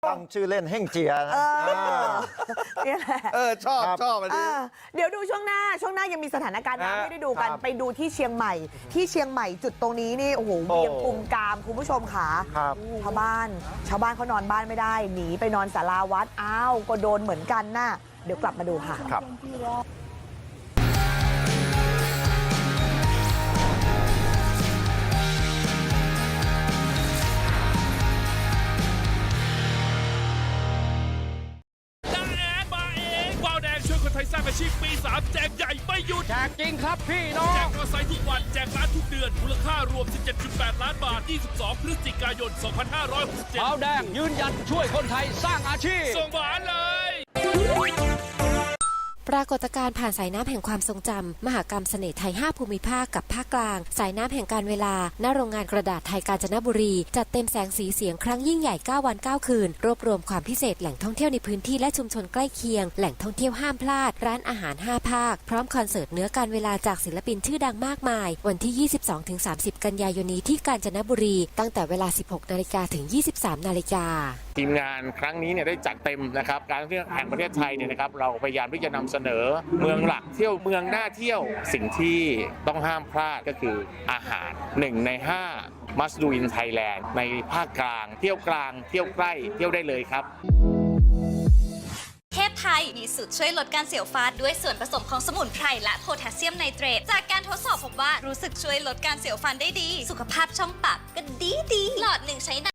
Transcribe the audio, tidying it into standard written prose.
ตั้งชื่อเล่นเฮ่งเจียนะนี่แหละชอบอันนี้เดี๋ยวดูช่วงหน้ายังมีสถานการณ์น้ำให้ได้ดูกันไปดูที่เชียงใหม่จุดตรงนี้นี่โอ้โหเวียงกุมกามคุณผู้ชมค่ะชาวบ้านเขานอนบ้านไม่ได้หนีไปนอนศาลาวัดอ้าวก็โดนเหมือนกันน่ะเดี๋ยวกลับมาดูค่ะครับคนไทยสร้างอาชีพปี 3แจกใหญ่ไม่หยุดแจกจริงครับพี่น้องแจกมอเตอร์ไซค์ทุกวันแจกร้านทุกเดือนมูลค่ารวม 17.8 ล้านบาท 22 พฤศจิกายน 2567ขาวแดงยืนหยัดช่วยคนไทยสร้างอาชีพส่งหวานเลยปรากฏการณ์ผ่านสายน้ำแห่งความทรงจำมหกรรมเสน่ห์ไทย 5 ภูมิภาคกับภาคกลางสายน้ำแห่งการเวลาณโรงงานกระดาษไทยกาญจนบุรีจัดเต็มแสงสีเสียงครั้งยิ่งใหญ่9วัน9คืนรวบรวมความพิเศษแหล่งท่องเที่ยวในพื้นที่และชุมชนใกล้เคียงแหล่งท่องเที่ยวห้ามพลาดร้านอาหาร5ภาคพร้อมคอนเสิร์ตเนื้อการเวลาจากศิลปินชื่อดังมากมายวันที่ 22-30 กันยายนนี้ที่กาญจนบุรีตั้งแต่เวลา 16 นาฬิกาถึง 23 นาฬิกาทีมงานครั้งนี้ได้จัดเต็มนะครับการท่องเที่ยวแห่งประเทศไทยเนี่ยนะครับเราพยายามที่จะนำเสนอเมืองหลักเที่ยวเมืองน่าเที่ยวสิ่งที่ต้องห้ามพลาดก็คืออาหาร1 ใน 5 must do in Thailand ในภาคกลางเที่ยวกลางเที่ยวใกล้เที่ยวได้เลยครับเทพไทยมีสูตรช่วยลดการเสียวฟันด้วยส่วนผสมของสมุนไพรและโพแทสเซียมไนเตรตจากการทดสอบพบว่ารู้สึกช่วยลดการเสียวฟันได้ดีสุขภาพช่องปากก็ดีหลอดหนึ่งใช้